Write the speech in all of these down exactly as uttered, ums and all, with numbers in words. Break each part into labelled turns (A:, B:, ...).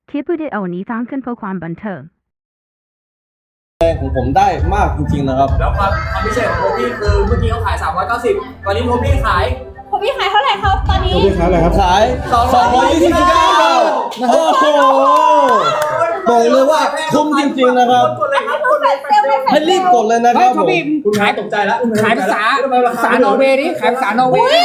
A: คลิปวิดีโอนี้สร้างขึ้นเพื่อความบันเทิง
B: ของผมได้มากจริงๆนะครับ
C: แล้วความความพิเศษของโทบี้คือเมื่อกี้เขาขายสามร้อยเก้าสิบตอนนี้โทบี้ขาย
D: โทบี้ขายเท่าไหร่ครับตอนนี้
B: โทบี้ขายอะไรครับขายสองร้อยยี่สิบเก้าโอ้โหบอกเลยว่าคุ้มจริงๆนะครับให้รีบกดเลยนะครับผม
C: คุณขายตกใจแล้ว
E: ขายภาษาภาษานอร์เวย์ดิขายภาษานอร์เวย์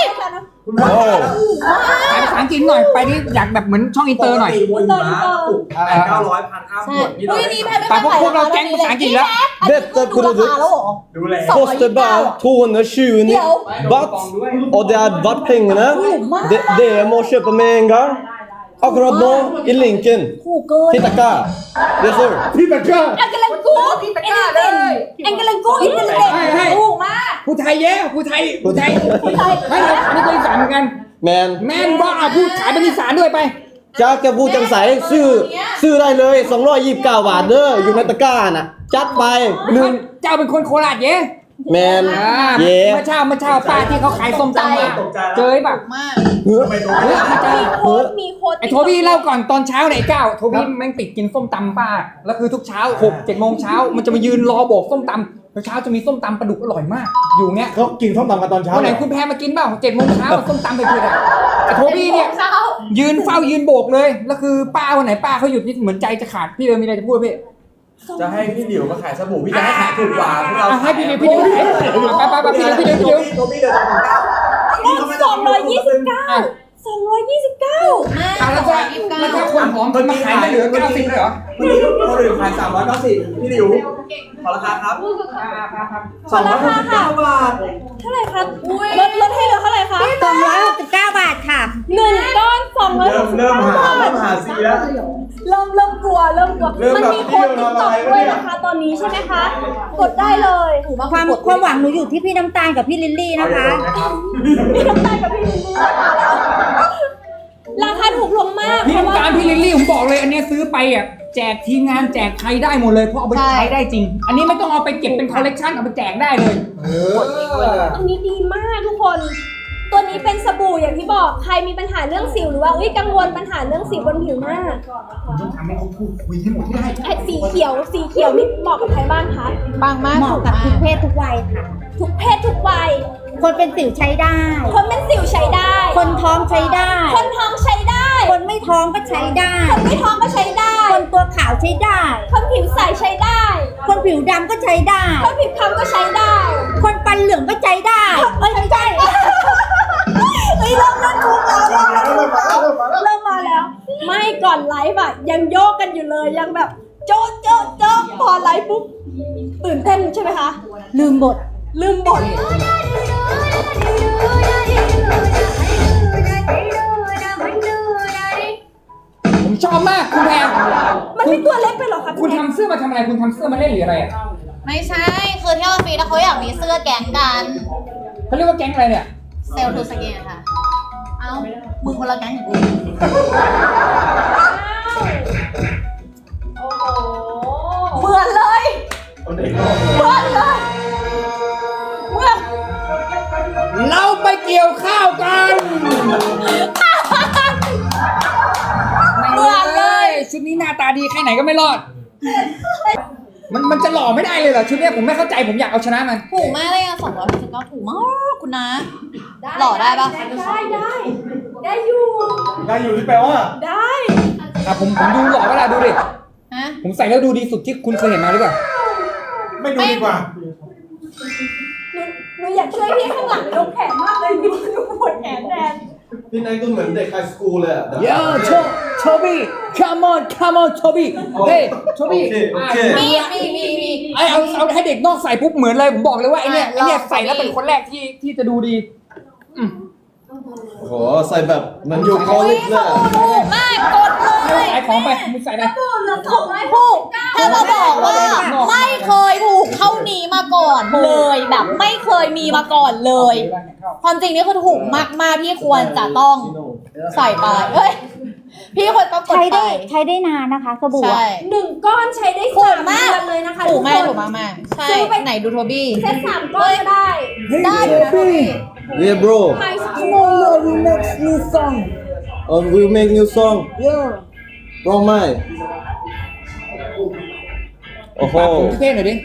E: ขายภาษาอังกฤษหน่อยไปดิอยากแบบเหมือนช่องอินเตอร์หน่อย
C: อินเตอร์เก้าร้อยพันห้าหมดนี่เรา
E: แต่พวกพวกเราแก๊งภาษาอังกฤษแล้ว
B: เด็ดตัวคุณดู
C: ดูแล
B: kostar bara tvåhundratjugo baht och det är baht-pengarna det, det må köpa med en gång akkurat nu i länken till Taka yes sir
C: พี่ตะก้า
D: แองเกลังกูอินเตอร์เน็ตแองเกลังกูอินเตอร์เน็ตถูกมาก
E: ผู้ไทยเย้ผู้ไทยผู้ไทยผู้ไทยไม่เราอันนี้ก็อีสานเหมือนกัน
B: แมน
E: แมนว่าอ่ะพูดขายเป็นอีสานด้วยไป
B: จ้าแกพูดจังใสซื้อซื้อได้เลยสองร้อยยี่สิบเก้าบาทเด้ออยู่ในตะกร้าน่ะจัดไปหนึ่ง
E: เจ้าเป็นคนโคราชเย้
B: แมน
E: เย้เมื่อเช้าเมื่อเช้าป้าที่เขาขายส้มตำมาเจอแบบ
D: มาก
E: มี
D: โค้ดมีโค้ด
E: ไอ้โทบี้เล่าก่อนตอนเช้าไหนเก้าโทบี้แม่งติดกินส้มตำป้าแล้วคือทุกเช้าหกเจ็ดโมงเช้ามันจะมายืนรอโบกส้มตำเช้าจะมีส้มตำปลาดุกอร่อยมากอยู่เงี้ย
B: เขากินส้มตำกันตอนเช้า
E: วันไหนคุณแพรมากินเปล่าเจ็ดโมงเช้าส้มตำไปเพื่อนไอ้โทบี้เนี่ยยืนเฝ้ายืนโบกเลยแล้วคือป้าวันไหนป้าเขาหยุดนี่เหมือนใจจะขาดพี่เออมีอะไรจะพูดพี่
C: จะให้พี่หลิวมาขายสบู่พี่จะให้ขายถูกกว่าพวกเรา
E: ให้พี่หลิวพี่หลิวไปไปไปพี่หลิวพี่หลิวพี่หลิว
C: โทบี้เดินสองเก้า
D: สองร้อยยี่สิบเก้าสองร้อยยี่สิบเก้า
E: แล้วก็แล้วก็คนหอมมันมาขายไม่เหลือเก้าสิบเลยเหรอ
C: พี่หลิวเขาเลยขายสามร้อยเก้าสิบพี่หลิวขอราคาครับสองร้อยหกสิบเก้าบาท
D: เท่าไหร่ครับลดลดให้เหลือเท่าไหร่คะ
F: สองร้อยหกสิบเก้าบาทค่ะ
D: หนึ่งก้อนสองร้อย
C: เริ่มเริ่มหาเริ่มหาซีแล้ว
D: เริ่มเริ่มกลัวเริ่มกลัวมันมีโค้ดติ๊กต็อกด้วยนะคะตอนนี้ใช่ไหมคะกดได้เลย
F: ความความหวังหนูอยู่ที่พี่น้ำตาลกับพี่ลิลลี่นะคะ
D: พี่น้ำตาลกับพี่ลิลลี่ราคาถูกลงมาก
E: พี่น้ำตาลพี่ลิลลี่ผมบอกเลยอันนี้ซื้อไปอ่ะแจกทีมงานแจกใครได้หมดเลยเพราะเอาไปใช้ได้จริงอันนี้ไม่ต้องเอาไปเก็บเป็นคอลเลกชันเอาไปแจกได้เลย
D: อันนี้ดีมากทุกคนตัวนี้เป็นสบู่อย่างที่บอกใครมีปัญหาเรื่องสิวหรือว่าอุ้ยกังวลปัญหาเรื่องสิวบนผิวหน้า
E: ผมต้องทำให้เขาพูดคุยให้หมดที่ได้
D: ไอ้สีเขียวสีเขียวนี่เหมาะกับใครบ้างคะ
F: ปังมากเหมาะกับทุกเพศทุกวัยค่ะ
D: ทุกเพศทุกวัย
F: คนเป็นสิวใช้ได้
D: คนเป็นสิวใช้ได้
F: คนท้องใช้ได้
D: คนท้องใช้ได้
F: คนไม่ท้องก็ใช้ได้
D: คนไม่ท้องก็ใช้ได้
F: คนตัวขาวใช้ได้
D: คนผิวใสใช้ได้
F: คนผิวดำก็ใช้ได้
D: คนผิวคล้ำก็ใช้ได้
F: คนฟันเหลืองก็ใช้ได้
D: เอ้ยไม่ใช่เฮ้ยเริ่มเริ่มถูกแล้วเริ่มเริ่มมาแล้วไม่ก่อนไลฟ์อะยังโยกกันอยู่เลยยังแบบโจ๊ะโจ๊ะโจ๊ะพอไลฟ์ปุ๊บตื่นเต้นใช่ไหมคะ
F: ลืมบท
D: ลืมบท
E: ผมชอบมากคุณแพร
D: มันไม่ตัวเล็กไปหรอครับ
E: คุณทำเสื้อมาทำอะไรคุณทำเสื้อมาเล่นหรืออะไรอ่ะ
G: ไม่ใช่คือที่ออฟฟิศเขาอยากมีเสื้อแก๊งกัน
E: เขาเรียกว่าแก๊งอะไรเนี่ย
G: เซลทูสเกตค่ะเอ้ามึงคนละแก๊งอย่างกู
D: โอ้โหเหมือนเลยเหมือนเลยเหมือน
E: เราไปเกี่ยวข้าวกันเหมือนเลยชุดนี้หน้าตาดีแค่ไหนก็ไม่รอดมันมันจะหล่อไม่ได้เลยเหรอชุดนี้ผมไม่เข้าใจผมอยากเอาชนะมัน
G: ถูกมากเลยอ่ะสองร้อยหกสิบเก้าถูกมากคุณนะหล่อได้ปะ
D: ได้ได้ได้อยู่
C: ได้อยู่ที่แปลว่า
D: ได้
E: อ่ะผมผมดูหล่อเวลาดูดิ
G: ฮะ
E: ผมใส่แล้วดูดีสุดที่คุณเคยเห็นมาหรือเปล่า
C: ไม่ดูดีกว่า
D: หนูอยากช่วยพี่ข้างหลังยกแขนมากเลยหนูหนูปวดแขนแทน
B: พี่นายก็เหมือนเด็กไฮสคูลเลยอ่ะ
E: เย้โชโชบี้ come on come on โชบี้เฮ้ยโชบี้
G: มีมีมีมี
E: ไอเอาเอาให้เด็กนอกใส่ปุ๊บเหมือนเลยผมบอกเลยว่าไอเนี้ยไอเนี้ยใส่แล้วเป็นคนแรกที่ที่จะดูดี
B: โอ้โหใส่แบบมันอยู่คอลิกเลย
G: ถูกมากกดเลย
E: ขายของไปมึงใส่ได้
G: ถูกถ้าเราบอกว่าไม่เคยถูกเท่านี้มาก่อนเลยแบบไม่เคยมีมาก่อนเลยความจริงนี่คือถูกมากๆพี่ควรจะต้องใส่ไปเฮ้ยพี่ควรต้องกดไป
F: ใช้ได้ใช้ได้นานนะคะสบู่
D: หนึ่งก้อนใช้ได้สามเดือนเลยนะคะ
G: ถูกมากถูกมากมากใช่ไหนดูโทบี้
D: เซตสามก้อนก็ได้
G: ได้อยู่นะพี่
B: Yeah bro
E: Tomorrow we make new song
B: Oh we make new song
E: Yeah
B: ร้องไหมโอ้โห
E: ปากผมเท่หน่อยดิ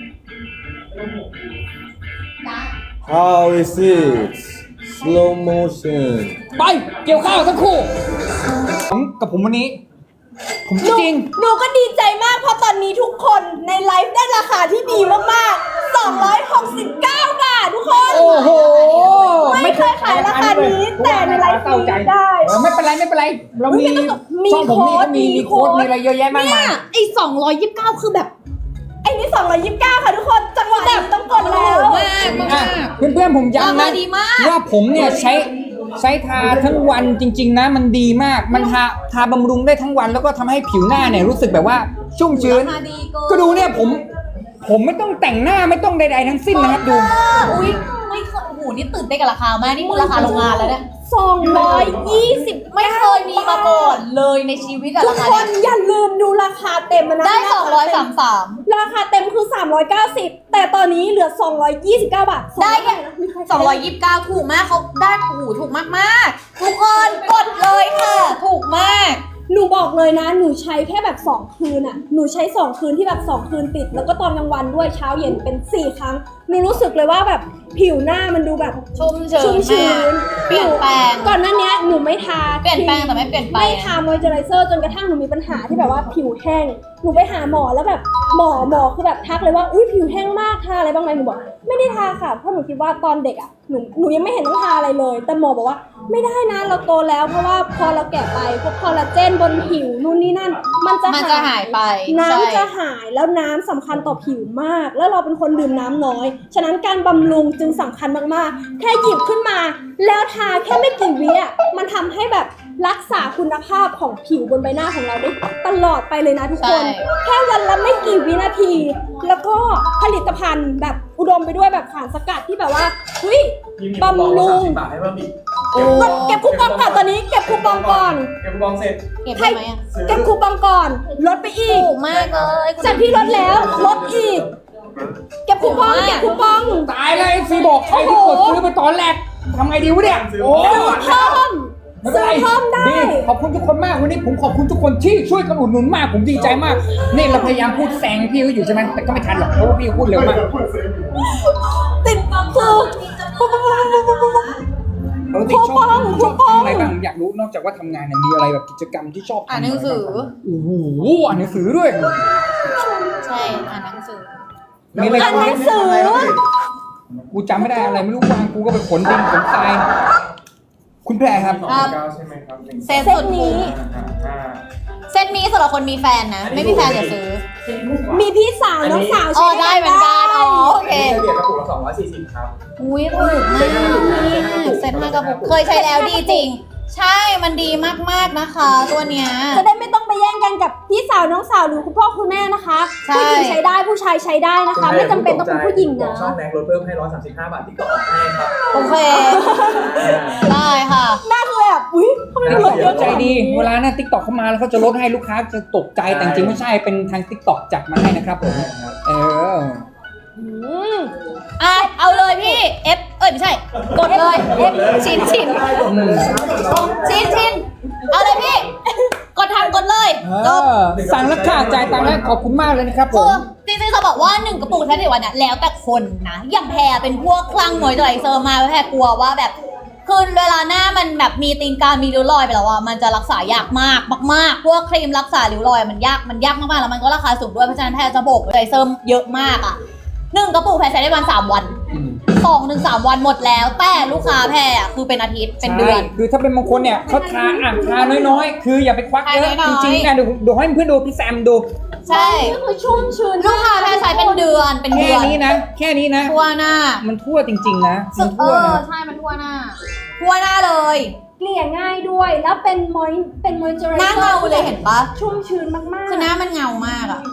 B: how is it slow motion
E: ไปเกี่ยวข้าวทั้งคู่ผมกับผมวันนี้ ผม
D: หนู
E: จริง
D: หนูก็ดีใจมากเพราะตอนนี้ทุกคนในไลฟ์ได้ราคาที่ดีมากๆสองร้อยหกสิบเก้าบาททุกคน
E: โอ้โห
D: ไม่เคยขายราคานี้แต่ในไลฟ์นี้ได้
E: เออไม่เป็นไรไม่เป็นไรเรามี
D: มี
E: ช่องผมนี่ก็มี
D: มี
E: มี
D: โค้
E: โค้
D: ด
E: ดมีอะไรเยอะแยะมาก
G: เนี่
E: มาย ย
G: ไอ้สองร้อยยี่สิบเก้าคือแบบ
D: ไอ้นี่สองร้อยยี่สิบเก้าค่ะทุกคนจังหวะนี้ต้องกดแล้ว
G: มากมาก
E: อ่ะ
G: มาก
E: เพื่อนๆผม
G: รา
E: ย้ำ
G: คา
E: นะ
G: ดีมาก
E: ว่าผมเนี่ยใช้ใช้ทาทั้งวันจริง ๆ นะมันดีมากมันทาทาบำรุงได้ทั้งวันแล้วก็ทำให้ผิวหน้าเนี่ยรู้สึกแบบว่าชุ่มชื้น
G: ราคาดีเกิน
E: ก็ดูเนี่ยผมผมไม่ต้องแต่งหน้าไม่ต้องใดๆทั้งสิ้นนะครับดู
G: อุ้ยไม่เคยโอ้โหนี่ตื่นเต้นกับราคามากนี่คือราคาโรงงานแล้วเนี่ย
D: สองร้อยยี่สิบ
G: ไม่เคยมีมาก่อนเลยในชีวิตอะ
D: ทุ
G: ราก คา
D: ค
G: เนี้
D: น
G: ย
D: อย่าลืมดูราคาเต็มนะ
G: ได้สองร้อยสามสิบสาม
D: ราคาเต็มคือสามร้อยเก้าสิบแต่ตอนนี้เหลือสองร้อยยี่สิบเก้าบาท
G: ได้แค่สองร้อยยี่สิบเก้าถูกมากเขาได้โอ้โหถูกมากมากๆทุกคนกดเลยค่ะ ถูกมาก
D: หนูบอกเลยนะ หนูใช้แค่แบบสองคืนอะหนูใช้สองคืนที่แบบสองคืนติด แล้วก็ตอนกลางวันด้วยเช้าเย็นเป็นสี่ครั้งหนูรู้สึกเลยว่าแบบผิวหน้ามันดูแบบ
G: ชุ่มชื้น
D: ชุ่มชื้
G: มาก
D: น
G: เปลี่ยนแปลง
D: ก่อนหน้านี้หนูไม่ทา
G: เปลี่ยนแปลงแต่ไม่เปลี่ยนไป
D: ไม่ทามอยเจอไรเซอร์จนกระทั่งหนูมีปัญหาที่แบบว่าผิวแห้งหนูไปหาหมอแล้วแบบหมอหมอคือแบบทักเลยว่าอุ้ยผิวแห้งมากทาอะไรบ้างไหมหนูบอกไม่ได้ทาค่ะเพราะหนูคิดว่าตอนเด็กอ่ะหนูหนูยังไม่เห็นต้องทาอะไรเลย แต่หมอบอกว่าไม่ได้นะเราโตแล้วเพราะว่าพอเราแก่ไปพวกคอลลาเจนบนผิวนู่นนี่นั่น มันจะ
G: มันจะหายไป
D: น้ำ
G: ใช่
D: จะหายแล้วน้ำสำคัญต่อผิวมาก แล้วเราเป็นคนดื่มน้ำน้อย ฉะนั้นการบำรุงจึงสำคัญมากๆ แค่หยิบขึ้นมา แล้วทาแค่ไม่กี่วิอ่ะมันทำให้แบบรักษาคุณภาพของผิวบนใบหน้าของเราได้ตลอดไปเลยนะทุกคน
G: ใช่
D: แค่วันละไม่กี่วินาที แล้วก็ผลิตภัณฑ์แบบอุดมไปด้วยแบบสารสกัดที่แบบว่าเฮ้ยบำรุง
C: บาทให้เพิ่มอีก
G: โอ้
D: กดเก็บคูปองก่อนตอนนี้เก็บคูปองก่อน
C: เก็บคูปองเสร็จ
G: เก็บได้ไหมอะ
D: เก็บคูปองก่อนลดไปอีก
G: ถูกมากเลยคุณ
D: จากที่ลดแล้วลดอีก เก็บคูปองเก็บคูปอง
E: ตายเลยซีบอกใครที่กดซื้อไปตอนแรกทำไงดีวะเนี่ยโอ้
D: ซื้อเพิ่ม
E: ไม่เป็น
D: ซื้อ
E: ไร
D: เพิ่มได้
E: นี่ขอบคุณทุกคนมากวันนี้ผมขอบคุณทุกคนที่ช่วยกันอุดหนุนมากผมดีใจมากนี่เราพยายามพูดแซงพี่เขาอยู่ใช่ไหมแต่ก็ไม่ทันหรอกเพราะว่าพี่เขาพูดเร็วมาก
D: ติดคือ
E: ปกติชอบ
D: คูปอง
E: ชอบ
D: คูปอง
E: ทำอะไรบ้างอยากรู้นอกจากว่าทำงานเนี่ยมีอะไรแบบกิจกรรมที่ชอบทำ
G: อ่านหนังสือ
E: โอ้โหอ่านหนังสือด้วย
G: ใช่อ่านหนังสือ
E: มีอะไร
D: อ่านหนังสือ
E: กูจำไม่ได้อะไรไม่รู้วางกูก็ไปขนดินขนทรายคุณแพรครับ
G: ครับ
C: เก้าใช่ไหมครับหนึ่ง
G: เซต
D: เซ
G: สุ
D: ต
G: ด
D: นี้
C: ห้า
G: เซตนี้สำหรับคนมีแฟนนะ ไม่มีแฟนอย่าซื้อ
D: มีพี่สาวน้องสาว
G: อ๋อ
D: ใช้
G: ได้เหมือนกันอ๋อโอเค
C: เฉลี่ยกระปุกละสองร้อยสี่สิบครับ
G: อุ้ยถูกมากเซ็ตห้ากระปุกเคยใช้แล้วดีจริง ใช่มันดีมากๆนะคะ ตัวเนี้ย
D: จะได้ไม่ต้องไปแย่งกันกับพี่สาวน้องสาวหรือคุณพ่อคุณแม่นะคะ
G: ใช่
D: ผู้หญิงใช้ได้ผู้ชายใช้ได้นะคะ ไม่จำเป็นต้องเป็นผู้หญิง
C: บอ
D: นะ
C: กช่องแน็กลดเพิ่มให้ร้อยสามสิบห้าบาทที่ต่อให้ครับ
G: โอเค ได้ค่ะ
D: น่าคือแบบอุ้ยทำไมมันลดเยอะ
E: ใจ
D: จัง
E: ดีเวลาเนี่ยติ๊กต็อกเข้ามาแล้วเขาจะลดให้ลูกค้าจะตกใจแต่จริงๆไม่ใช่เป็นทางติ๊กต็อกจัดมาให้นะครับผมเออ
D: อืม
G: อ่ะ เอาเลยพี่ F เอ้ยไม่ใช่ กดเลย F ชินชินชินชินเอาเลยพี่ กดทำกดเลยจบ
E: สั่งแล้วค่ะจ่ายตังค์แล้วขอบคุณมากเลยนะครับผ
G: คือ
E: ม
G: จริงๆจะบอกว่าหนึ่งกระปุกแค่ในวันน่ะแล้วแต่คนนะ อย่างแพรเป็นพวกคลั่งมอยเจอไรเซอร์มาแพรกลัวว่าแบบคือเวลาหน้ามันแบบมีตีนกา มีริ้วรอยไปแล้วอ่ะมันจะรักษายากมากมากๆพวกครีมรักษาริ้วรอยมันยากมันยากมากๆแล้วมันก็ราคาสูงด้วยเพราะฉะนั้นแพรจะโบกไรเซอร์เยอะมากอ่ะหนึ่งกระปุกแพรใช้ได้ประมาณสามวันสองถึงสามวันหมดแล้ว แต่ลูกค้าแพรอ่ะคือเป็นอาทิตย์เป็นเดือน
E: ใช่คือถ้าเป็นบางคนเนี่ยเขาทาอ่ะทาน้อยๆ คืออย่าไปควักเยอะ
G: ทาน้
E: จ
G: อยๆ
E: ริงๆนะเดี๋ยวเดี๋ยวให้เพื่อนดูพี่แซมดู
G: ใช่
D: ก็คือชุ่มชื้น
G: ลูกค้าแพรใช้เป็นเดือนเป็น
E: แค่
G: เดือน
E: นี้นะ แค่นี้นะ
G: ทั่วหน้า
E: มันทั่วจริงๆนะ
G: สึ
E: มัน
G: กเอ
E: ทั่ว
G: อ
E: นะ
G: ใช่มันทั่วหน้า ทั่วหน้าเลย
D: เกลี่ยง่ายด้วย แล้วเป็นมอยเป็นมอยเจอไร
G: หน้า
D: เซอ
G: เงา
D: ร์
G: เลยเห็นปะ
D: ชุ่มชื้นมากๆ
G: คือหน้ามันเงามากอะ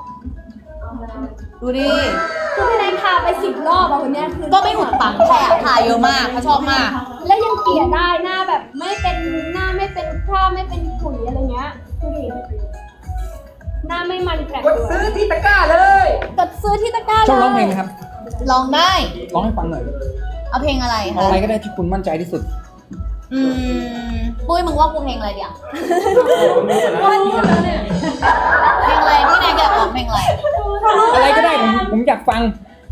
G: ดูดิ
D: คือพี่นายทาไปสิบรอบอะวันเนี้ยคือ
G: ก็ไม่หุดปังแผลทาเยอะมากเขาชอบมาก
D: แล้วยังเกลี่ยได้หน้าแบบไม่เป็นหน้าไม่เป็นคราบไม่เป็นขุยอะไรเงี้ยดูดิหน้าไม่มันแผล
E: กดซื้อที่ตะกร้าเลย
D: กดซื้อที่ตะกร้า
E: ชอบร้องเพลง
D: ได้
E: ไหมครับ
G: ลองได้
E: ร้องให้ฟังหน่อย
G: เอาเพลงอะไร
E: เอา
G: คะ
E: อะไรก็ได้ที่คุณมั่นใจที่สุด
G: อืมปุ้ยมึงว่ากูเพลงอะไรเดี๋ยวเพลงอะไรพี่นายอยากร้องเพลงอะไร
E: อะไรก็ได้ผมผมอยากฟัง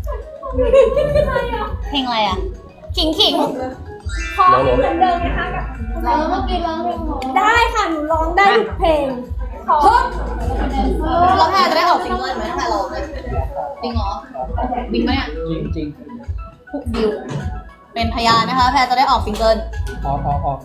G: เพลงอะไรอ่ะขิงขิง
D: พอเหมือนเดิมนะคะกับ
G: ร้องเมื่อกี้ร้องเพลง
D: ได้ค่ะหนูร้องได้ทุกเพลงขอ
G: แล้วแพรจะได้ออกซิงเกิลไหมแพรร้องเลยจริงเหรอบิงไหมเนี่ย
E: จริง
G: พุกดิวเป็นพยานนะคะแพรจะได้ออกซิงเกิล
E: ๆออกออกออก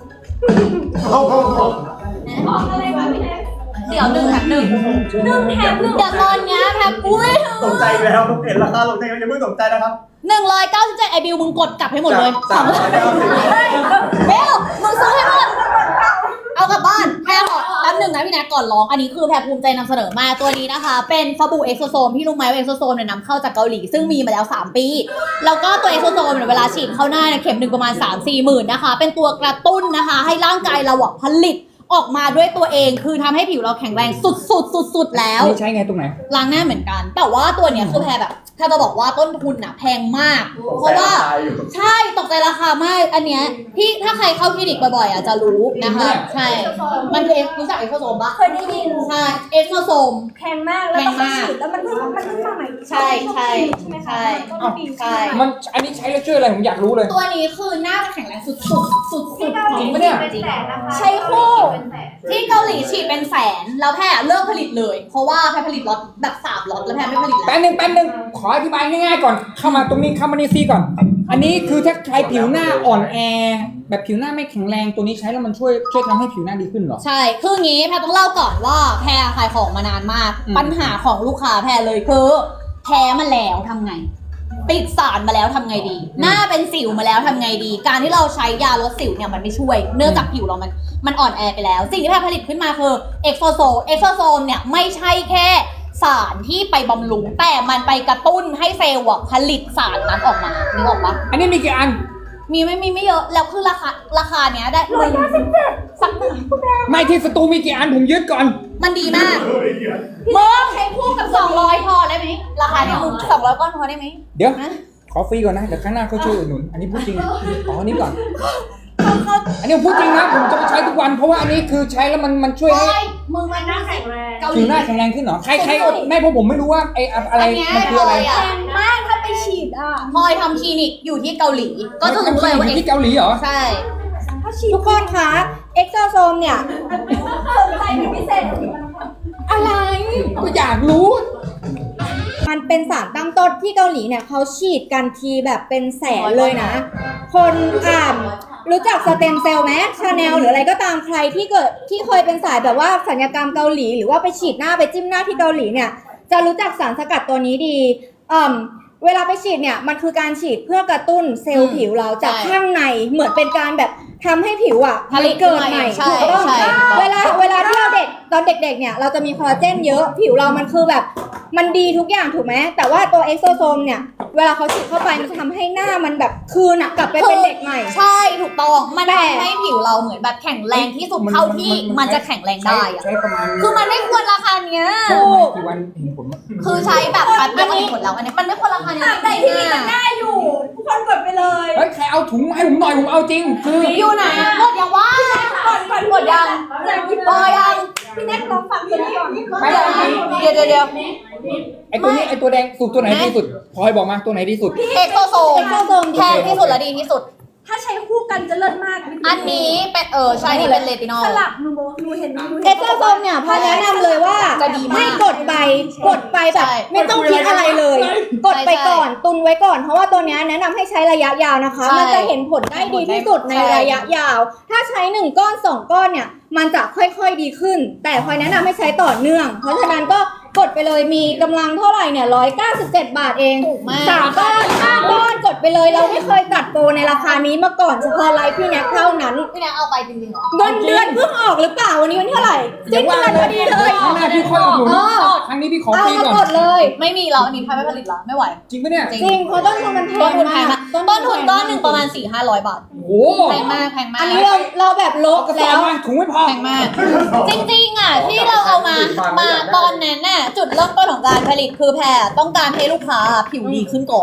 G: เดี๋ยวหนึ่งแถมหนึ่งหนึ่งแถมหนึ่งเดี๋ยวตอนเนี้ยแพรปุ้ย
C: ตกใจแล้วเห็นราคาลงใจยังไม่ตกใจนะครับ
G: หนึ่งร้อยเก้าสิบเจ็ดไอบิวมึงกดกลับให้หมดเลย
C: สามร้อยเก้าสิบ
G: เบลมึงซื้อให้หมดเอากลับบ้านแพรขอแป๊บหนึ่งนะพี่แนทก่อนร้องอันนี้คือแพรภูมิใจนำเสนอมากตัวนี้นะคะ เป็นสบู่เอ็กโซโซมที่รู้ไหมว่าเอ็กโซโซมเนี่ยนำเข้าจากเกาหลีซึ่งมีมาแล้วสามปีแล้วก็ตัวเอ็กโซโซมเนี่ยเวลาฉีดเข้าหน้าเนี่ยเข็มหนึ่งประมาณ สามสี่หมื่นนะคะเป็นตัวกระตุ้นนะคะให้ร่างกายเราอะผลิตออกมาด้วยตัวเองคือทำให้ผิวเราแข็งแรงสุดๆสุดๆแล้ว
E: นี่ใช้ไงตรงไหน
G: ล้างหน้าเหมือนกัน แต่ว่าตัวเนี้ยคือแพรแบบแพรจะบอกว่าต้นทุนอะแพงมาก เพราะว่าใช่ตกใจราคามากอันเนี้ยที่ถ้าใครเข้าคลินิกบ่อยๆอะจะรู้นะคะใช่มันคือเอ็กซ์รู้จักเอ็กโซโซมปะ
D: เคยได้ยิน
G: ใช่เอ็กโซโซม
D: แพงมากแล้วต้องไปฉีดแล้วมันเพิ่งมันเพิ่งมาใหม่
G: ใช่ใช่ใช่
D: ต้นปี
G: ใช่
E: มันอันนี้ใช้แล้วช่วยอะไรผมอยากรู้เลย
G: ตัวนี้คือหน้าจะแข็งแรงสุดๆสุดๆ
D: ที่เกาหลี
E: จริงปะเนี่ย
D: เป็นแสนนะคะใช้คู่
G: ที่เกาหลีฉีดเป็นแสนแล้วแพรเลิกผลิตเลย เพราะว่าแพรผลิตล็อตแบบสามล็อตแล้วแพรไม่ผลิตแล้ว
E: แป๊บนึงแป๊บนึงขออธิบายง่ายๆก่อนเข้ามาตรงนี้เข้ามาในซีก่อน อันนี้คือถ้าใครผิวหน้าอ่อนแอ แบบผิวหน้าไม่แข็งแรงตัวนี้ใช้แล้วมันช่วยช่วยทำให้ผิวหน้าดีขึ้นเหรอ
G: ใช่ คืองี้แพรต้องเล่าก่อนว่าแพรขายของมานานมาก
E: อืม
G: ปัญหาของลูกค้าแพรเลยคือแพ้มาแล้วทำไง ติดสารมาแล้วทำไงดี หน้าเป็นสิวมาแล้วทำไงดี การที่เราใช้ยาลดสิวเนี่ยมันไม่ช่วย เนื่องจากผิวเรามันมันอ่อนแอไปแล้ว สิ่งที่แพรผลิตขึ้นมาคือเอ็กโซโซเอ็กโซโซมเนี่ยไม่ใช่แค่สารที่ไปบำรุงแต่มันไปกระตุ้นให้เซลล์อะผลิตสารนั้นออกมานึกออกปะ
E: อันนี้มีกี่อัน
G: มีไม่มีไม่เยอะแล้วคือราคาราคาเนี้ยได้ร้อยเก้าสิบเจ็ดสักหนึ่ง
E: ไม่ที่สตูมีกี่อันผมยึดก่อน
G: มันดีมากมึงใช้คู่กับสองร้อยพอได้ไหมราคาเนี้ยมึงสองร้อยก้อนพอได้ไหม
E: เดี๋ยว
G: นะ
E: ขอฟรีก่อนนะเดี๋ยวข้างหน้าเขาช่วยอุดหนุนอันนี้พูดจริงขออันนี้ก่อน
G: เขาเขา
E: อันนี้ผมพูดจริงนะผมจะไปใช้ทุกวันเพราะว่าอันนี้คือใช้แล้วมันมันช่วยให้
G: โอ้ยมึงมันน่าแข็งแรงเกาห
E: ผิ
G: ลี
E: วหน้าแข็งแรงขึ้นเหรอใครใครไม่เพราะผมไม่รู้ว่าไอ้อะไร
G: อันเนี้ย
E: มันคืออะไร
G: พลอย
D: แพ
G: อะ
D: งมากถ้าไปฉีดอ่ะ
G: พลอยทำคลินิกอยู่ที่เกาหลี ก็จะรู้เลยว่า
E: ที่เกาหลีเหรอ
G: ใช่
D: ถ้าฉีดทุกคนคะเอ็กโซโซมเนี่ยสนใจเป็นพิเศษ
F: อะไร
E: ก็อยากรู้
F: มันเป็นสารตั้งต้นที่เกาหลีเนี่ยเขาฉีดกันทีแบบเป็นแสนเลยนะ คนอ่านรู้จักสเต็มเซลล์ไหมชาแนลหรืออะไรก็ตามใครที่เกิดที่เคยเป็นสายแบบว่าศัลยกรรมเกาหลี หรือว่าไปฉีดหน้าไปจิ้มหน้าที่เกาหลีเนี่ยจะรู้จักสารสกัดตัวนี้ดีอ่าเวลาไปฉีดเนี่ยมันคือการฉีดเพื่อกระตุ้นเซลล์ผิวเราจากข้างในเหมือนเป็นการแบบทำให้ผิวอ่ะ
G: ผลิต
F: เกิดใหม่
G: ใช่
F: ถูกต้อง
G: ใช่
F: เวลาเวลาที่เราเด็กตอนเด็กๆเนี่ยเราจะมีคอลลาเจนเยอะผิวเรามันคือแบบมันดีทุกอย่างถูกไหมแต่ว่าตัวเอ็กโซโซมเนี่ยเวลาเขาฉีดเข้าไปมันจะทำให้หน้ามันแบบคืนอะกลับไปเป็นเด็กใหม่
G: ใช่ถูกต้องมัน
F: แต่
G: ทำให้ผิวเราเหมือนแบบแข็งแรงที่สุดเท่าที่มันจะแข็งแรงได้อะ
E: ใช้ประมาณ
G: คือมันไม่ควรราคาเนี้ย
E: ใช้ประมาณกี่วันเห็นผลมั้ย
G: คือใช้แบบแป๊บเดียวก็เห็นผลแล้วอันนี้มันไม่ควรราคาเนี้ย
D: แต่ที่นี่มันได้อยู่ทุกคนกดไปเลย
E: เฮ้ยใครเอาถุงมาให้ผมหน่อยผมเอาจริงคือ
G: อยู่ไหนหมดยังวะ
D: ก่อนก่อน
G: หมดยัง
D: อยากกิน
G: พอยัง
D: พี่แน็กลองฟังตัวนี้ก่อน
E: ไม่ไม่ไม่
G: เดี๋ยวเดี๋ยวเดี๋ยว
E: ไอตัวนี้ไอตัวแดงสูตรตัวไหนดีสุดพลอยบอกมาตัวไหนดีสุด
G: เอ็กโซโซม
F: เอ็กโซโซม
G: แพงที่สุดและดีที่สุด
D: ถ้าใช้คู่กันจะเลิศมาก
G: อันนี้เป็นเออใช่นี่เป็นเลตินอล
D: สลับหนูบอกหนูเห็นหนู
F: เอ็
D: เห็
F: ก
D: น
F: โซโซมเนี่ยพอแนะนำเลยว่า
G: จะดีมาก
F: ให้กดไปกดไปแบบ
G: ใช่
F: ไม่ต้องคิดอะไรเลย กดไป
G: ใช่
F: ก่อนตุนไว้ก่อนเพราะว่าตัวเนี้ยแนะนำให้ใช้ระยะยาวนะคะ
G: ใช่
F: มันจะเห็นผลได้ดีที่สุดใน
G: ใช่
F: ระยะยาว ถ้าใช้หนึ่งก้อนสองก้อนเนี่ยมันจะค่อยๆดีขึ้น แต่พลอยแนะนำให้ใช้ต่อเนื่อง เพราะฉะนั้นก็กดไปเลยมีกำลังเท่าไหร่เนี่ยร้อยเก้าสิบเจ็ดบาทเอง
G: ถูกมาก
F: สามก้อนห้าก้อนกดไปเลยเราไม่เคยตัดโปรในราคานี้มาก่อนเฉพาะไลฟ์พี่แน็กเท่านั้น
G: พี่แนกเอาไปจริงๆเหรอ
F: เงินเดือนเพิ่งออกหรือเปล่าวันนี้วันที่เท่าไหร่สิ้นเดือนพอดีเลย
E: ครั้งหน้าพี่ค่อยอุดหนุน
F: เออ
E: ครั้งนี้พี่ขอ
F: เอา
E: ฟรี
F: มา
E: ก่อน
F: กดเลย
G: ไม่มีแล้วอันนี้แพงไม่ผลิตแล้วไม่ไหว
E: จริงปะเนี่ย
G: จริง
F: จริงเพราะต้นทุนมันแพ
G: ต้น
F: ง
G: ทุนแพง
F: มาม
G: าก กต้นทุนก้อนหนึ่งประมาณสี่ห้าร้อยบาท
E: โอ้โห
G: แพงมากแพงมาก
F: อันนี้เราเราแบบลบ
E: กระสอ
F: แล้
E: บ
F: ว
E: มาถุงไม่พอ
G: แพงมาก จริงๆอ่ะที่เราเอามามาตอนนั้นน่ะจุดเริ่มต้นของการผลิตคือแพรต้องการให้ลูกค้าผิวดีขึ้นก่อน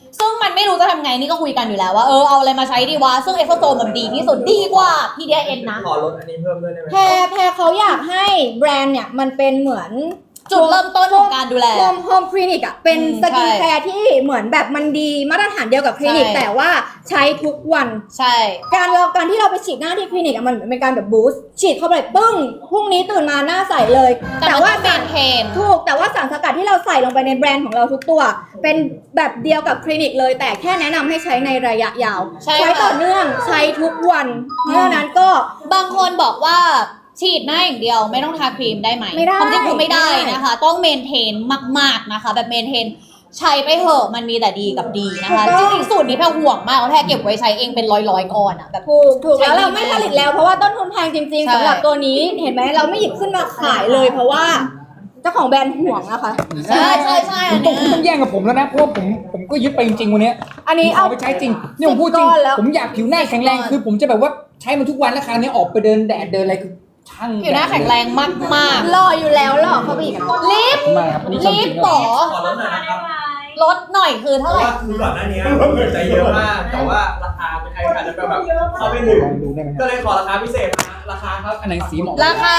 G: ซึ่งมันไม่รู้จะทำไงนี่ก็คุยกันอยู่แล้วว่าเออเอาอะไรมาใช้ดีวะซึ่งเอ็กโซโซมันดีที่สุดดีกว่า พี ดี เอ็น นะ
C: ขอลดอันนี้เพิ่มด้วยได้ไหม
F: แพรแพรเขาอยากให้แบรนด์เนี่ยมันเป็นเหมือน
G: จุดเริ่มต้นของการดูแล
F: โฮมโฮมคลินิกอ่ะเป็น
G: อืม
F: สกิน
G: ใช่
F: แคร์ที่เหมือนแบบมันดีมาตรฐานเดียวกับคลินิก
G: ใช่
F: แต่ว่าใช้ทุกวัน
G: ใช่
F: การเราการที่เราไปฉีดหน้าที่คลินิกอะมันเหมือนเป็นการแบบบูสต์ฉีดเข้าไปปึ้งพรุ่งนี้ตื่นมาหน้าใสเลย
G: แต่ว่า
F: สา
G: การ รเทน
F: ถูกแต่ว่าสารสกัดที่เราใส่ลงไปในแบรนด์ของเราทุกตัว เป็นแบบเดียวกับคลินิกเลย แต่แค่แนะนำให้ใช้ในระยะยาว
G: ใช่ค่ะ
F: ต่อเนื่องใช้ทุกวันเพราะฉะนั้นก็
G: บางคนบอกว่าฉีดหน้าอย่างเดียวไม่ต้องทาครีมได้ไหม
F: ไม่ได้
G: ความจริงคือไม่ได้
F: ไม่ได้
G: นะคะ ต้องเมนเทนมากๆนะคะ แบบเมนเทนใช้ไปเถอะมันมีแต่ดีกับดีนะคะ
F: ถู
G: จ
F: กต้อง
G: ริงๆสูตรนี้แพรห่วงมากเพราะแพรเก็บไว้ใช้เองเป็นร้อยๆก้อนอะแบบ
F: ถูกถูกแล้ว
G: ใช้ดี
F: เราไม่ผลิตแล้วเพราะว่าต้นทุนแพงจริง
G: ใช่
F: ๆสำหรับตัวนี้เห็นไหมเราไม่หยิบขึ้นมาขายเลย เพราะว่าเจ้าของแบรนด์ห่วงนะคะ
G: ใช่ใช่ใช่อัน
E: ต้อง
G: เนี้ย
E: ต้องแย่งกับผมแล้วนะเพราะว่าผมผมก็ยึดไปจริงๆวันเนี้ย
F: อันนี้
E: ผม
F: เอา
E: เอาไปใช้จริงเนี่ยผมพูดจริง
F: สิบก้อนแล้ว
E: ผมอยากผิวหน้าแข็งแรงคือผมจะแบบว่าใช้มันทุกวันแล้วคราวนี้ออกไปเดินแดดเดินอะไรคือช่าง
G: ผิวหน้าแข็งแรงมาก
F: หล่ออยู่แล้วหล่อเข้าไปอีกอะ
G: ๆลิฟต์
E: ทำไมครับอันนี้ความ
G: ลิ
E: จ
G: ฟ
E: ริง
G: ต์
E: ค
G: ต่
E: รับ
G: อ
C: ขอลดหน่อยนะครับ
G: ลดหน่อยคือ
C: เพ
G: เท่า
C: ราะ
G: ไหร่
C: ว่าคือก่อนหน้านี้ผมใจเยอะมาก แต่ว่าราคาเป็นไทยอาจจะแบบเข้าไม่ถึง
E: ลองดูได้ไหมค
C: ก็
E: รับ
C: เลยขอราคาพิเศษมาราคาครับ
E: อันไหนสีเหมาะ
G: ราคา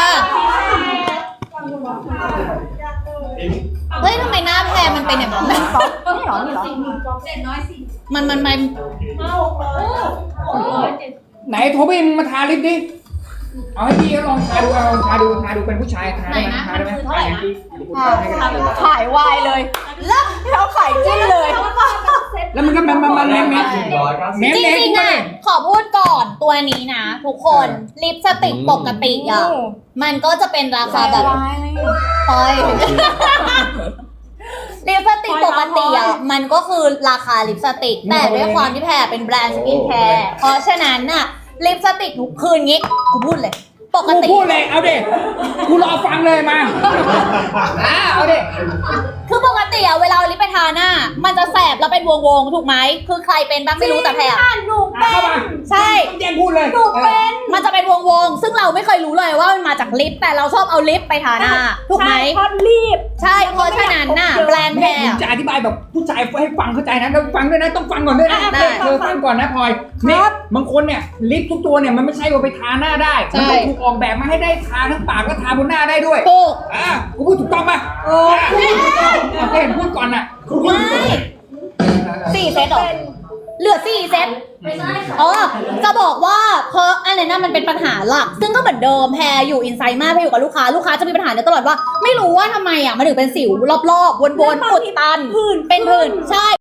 G: เฮ้ยทำไมหน้าแพรมันเป็นอย่างนั้น
F: นี่เหรอนี่เหรอ
G: มันมันมัน
E: ไหนโทบี้มึงมาทาลิปดิเอาให้พี่เขาลองทาดูเอาลองทาดูทาดูเป็นผู้ชายทาได้ไหมทาได้ไหม
F: ขายวายเลยแล้วเราขายจิ้นเลย
E: แล้วมันก็มันมันมันแมมแมม
C: ร้อยเก้าสิบ
E: แมม
G: จ
E: แมม
G: ริงๆอ่ะขอพูดก่อนตัวนี้นะ ทุกคนลิปสติกปกติอ่ะมันก็จะเป็นราคาแบบปอยลิปสติกปกติอ่ะมันก็คือราคาลิปสติก แต่ด้วยความที่แพรเป็นแบรนด์สกินแคร์เพราะฉะนั้นน่ะลิปสติกทุกคืนงี้กูพูดเลย ปก
E: กู
G: ติ
E: พูดเลยเอาเด็กูรอฟังเลยมาอ่าเอาเด็
G: คือปกติอะเวลาเอาลิปไปทาหน้า มันจะแสบแล้วเป็นวงๆถูกไหมคือใครเป็นบ้างไม่รู้แต่แพรอะ
F: หนู
E: อ่ะเข้ามา
G: ใช่
E: ต้องแย่งพูดเลย
F: หนูเป็น
G: มันจะเป็นวงๆซึ่งเราไม่เคยรู้เลยว่ามันมาจากลิปแต่เราชอบเอาลิปไปทาหน้าถูกไหม
F: เพราะรีบ
G: ใช่เพราะฉะนั้นน่ะแบรนด์แพร
E: แม่
G: อะ
E: จะอธิบายแบบผู้ชายให้ฟังเข้าใจนะแล้วฟังด้วยนะต้องฟังก่อนด้วยนะ
G: ได้
E: เธอฟังก่อนนะพลอยเนี่ยบางคนเนี่ยลิปทุกตัวเนี่ยมันไม่ใช่ว่าไปทาหน้าได้
G: ใช่
E: มันต้องถูกออกแบบมาให้ได้ทาทั้งปากและทาบนหน้าได้ด้วย
G: ถูก
E: อ่ากูพูดถูกต้องป่ะโอ้ก็เห็นพูดก่อนน่ะ
G: ไม่สี่เซตเหรอเหลือสี่เซตอ๋อจะบอกว่าเพราะอันนั้นน่ะมันเป็นปัญหาหลัก ซึ่งก็เหมือนเดิมแพรอยู่อินไซด์มากแพรอยู่กับลูกค้าลูกค้าจะมีปัญหาเนี่ยตลอดว่า ไม่รู้ว่าทำไมอ่ะมันถึงเป็นสิวรอบๆวนๆอุดตัน
F: ผื่น
G: เป็นผื่นใช่